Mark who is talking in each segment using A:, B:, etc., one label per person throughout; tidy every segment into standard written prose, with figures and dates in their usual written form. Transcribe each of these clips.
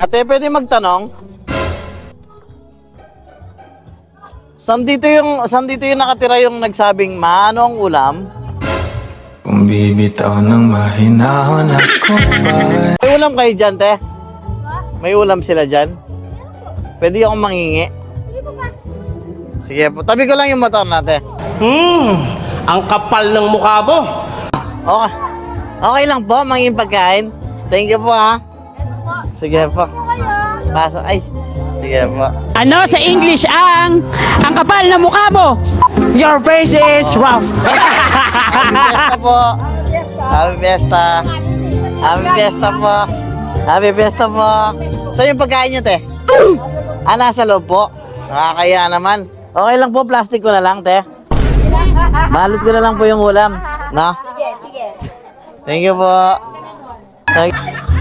A: Ate, pwede magtanong? Saan dito yung nakatira yung nagsabing manong ulam?
B: Kung bibitaw ng mahinahon ako ba?
A: May ulam kayo dyan, te? May ulam sila dyan? Pwede akong mangingi? Sige po. Tabi ko lang yung motor natin.
C: Ang kapal ng mukha mo.
A: Okay. Okay lang po, manging pagkain. Thank you po, ha. Sige po. Paso. Ay. Sige po.
D: Ano sa English ang kapal na mukha mo? Your face is rough.
A: Happy Fiesta po. Happy Fiesta. Happy Fiesta po. Happy Fiesta po. Saan yung pagkain nyo, te? Nasa loob po. Nakakaya naman. Okay lang po, plastic ko na lang, te. Balot ko na lang po yung ulam. No?
E: Sige, sige.
A: Thank you po. Thank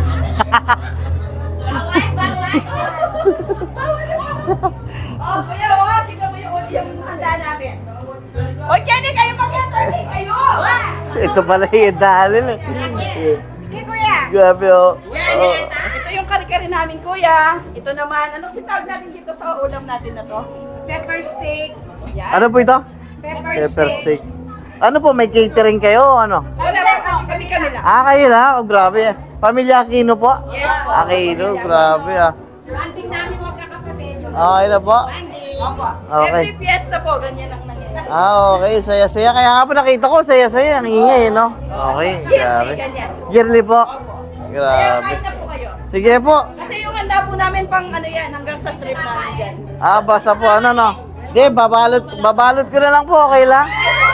E: Oh, kuya, wala. Tingnan mo yung handa namin. O, Jenny, kayo mag-survey kayo.
A: Ito pala yung dahil.
E: Hindi, kuya.
A: Grabe, oh.
E: Yan. Ito yung kari-kari namin, kuya. Ito naman, anong sitawag natin dito sa ulam natin na to? Pepper steak. Yan.
A: Ano po ito?
E: Pepper
A: Pepper
E: steak.
A: steak. Ano po, may catering kayo? Ano?
E: Wala po, kami lang.
A: Kayo na? Oh, grabe. Pamilya Aquino po?
E: Yes po.
A: Aquino, grabe ah.
E: Banding namin magkakapatid.
A: Okay na po?
E: Opo.
A: Okay.
E: Every fiesta po, ganyan ang nangyayari.
A: Okay. Saya-saya. Kaya nga po nakita ko, saya-saya. Ang ingay, no? Okay, grabe.
E: Ganyan.
A: Yearly po.
E: Kaya
A: Grabe.
E: kain na po kayo.
A: Sige po.
E: Kasi yung handa po namin pang ano yan, hanggang sa strip namin dyan.
A: Basta po, ano, no? Di, babalot ko na lang po. Okay lang?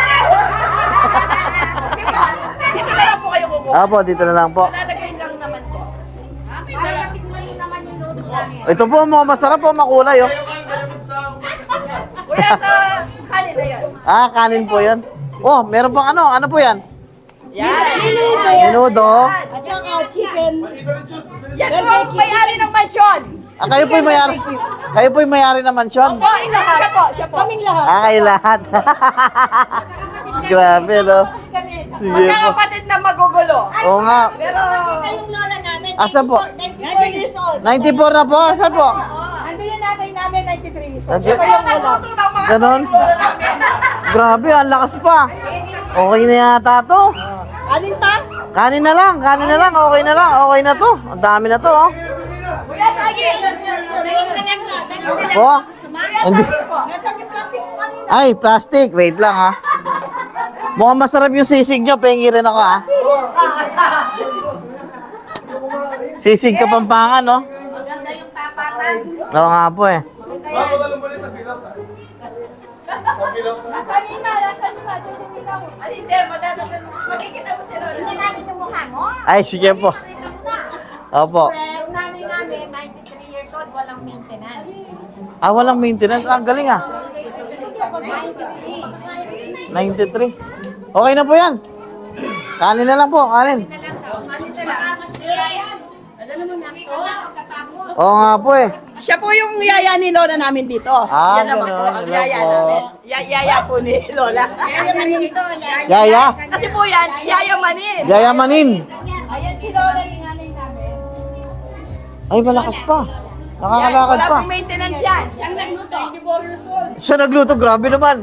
E: Dito na lang po kayo kukuha.
A: Po, dito na lang po.
E: Lalagay lang naman po. Malapit mo rin naman yung noodles namin.
A: Ito po, mga masarap po, makulay, oh.
E: Kuya, sa kanin na yun.
A: Kanin po yan. Oh, meron pang ano? Ano po yan?
E: Yan.
A: Menudo.
E: At saka chicken. Yan po ang may-ari ng mansyon.
A: Kayo po'y mayari. Kayo po'y mayari ng mansyon.
E: Po, siya po, siya po. Kaming lahat.
A: Kayo lahat. Grabe, no? Sige po.
E: Magkakapatid na magugulo.
A: Oo nga.
E: Pero,
F: Yung lola namin,
A: Asan po?
F: 94 years old.
A: 94 na po. Asan po?
E: ando yung nanay namin, 93. So,
A: Nandiyan.
E: siya po yung nagluto ng mga
A: Ganon?
E: magugulo namin.
A: Grabe, ang lakas pa. Okay na yata to.
E: Alin pa?
A: Kanin na lang, kanin na lang. Okay na lang. Okay na to. Ang dami na to, oh.
E: Kuya, sige.
A: Po? Hindi.
E: Nasaan yung plastic mo kanina?
A: Ay, plastic. Wait lang, ha. Mukhang masarap yung sisig nyo. Pengi rin ako, ha. Sisig Kapampangan, no?
E: Maganda yung tapatan.
A: Oo nga po, eh.
E: Nasaan yung iba? Nasaan yung iba? Ay, hindi. Madadagdag mo. Makikita mo sila. Hindi namin yung mukha mo.
A: Ay, sige po. Opo.
F: Yung nanay namin, 93 years old, walang maintenance.
A: Walang maintenance. Ang galing, ah.
F: 93.
A: 93. Okay na po yan. Kanin na lang po, kanin. Oo nga po, eh.
E: Siya po yung yaya ni Lola namin dito. Yan naman po
A: ganun.
E: ang
A: Hello
E: yaya
A: po.
E: namin. Yaya po ni Lola. Yaya Manin ito.
A: Yaya.
E: Kasi po yan, Yaya Manin.
A: Yaya Manin.
E: Ayan si Lola ni nanay namin.
A: Ay, malakas pa. Nakakalakad
E: Wala
A: pa.
E: pong maintenance yan. Siyang nagluto. 94 years old.
A: Siya nagluto, grabe naman.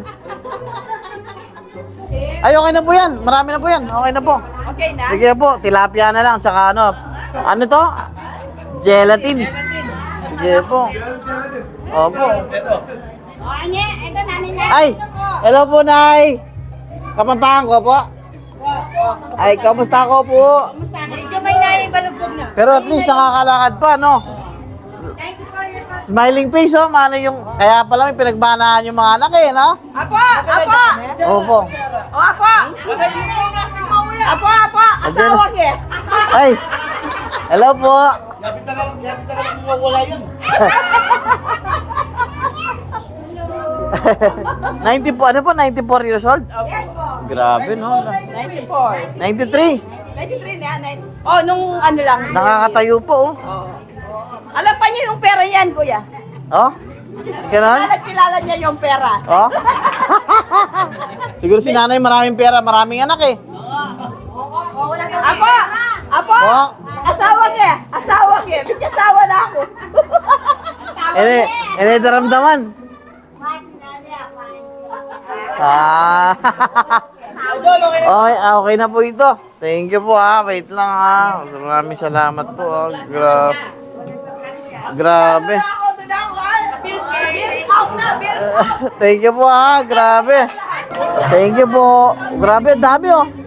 A: Ay, okay na po yan. Marami na po yan. Okay na po.
E: Okay na?
A: Sige po, tilapia na lang. Tsaka ano. Ano to? Gelatin. Sige po. Opo.
F: O, anya, ito nanay niya.
A: Ay, hello po, Nay. Kapampangan ko po. Ay, kamusta ko po?
F: Kamusta ka? Medyo may naibalugbog na.
A: Pero at least nakakalakad pa, no?
F: 94 years old.
A: Smiling face, oh. Mano yung, kaya pala may pinagbanahan yung mga anak, eh, no?
E: Apo! Apo!
A: Opo.
E: O, apo! Apo, apo! Asawa ke!
A: Ay, hello po. 90 po, ano po? 94 years old?
E: Yes po.
A: Grabe, no?
E: 94.
A: 93.
E: 93 na yan. Oh, nung ano lang.
A: Nakakatayo po, oh.
E: Oh. Alam pa niyo yung pera yan, kuya.
A: Oh? Ganon?
E: Kilala niya yung pera.
A: Oh? Siguro si nanay maraming pera, maraming anak, eh.
E: Apo! Apo!
A: Oh?
E: Asawa ke! asawa niya. May asawa na ako.
A: Ini daramdaman. Ah. Okay na po ito. Thank you po ha. Wait lang ha. Maraming salamat po. Grabe. Grabe.
E: Doon ako. Bills out na. Bills out.
A: Thank you po ha. Grabe. Thank you po. Grabe, dami oh.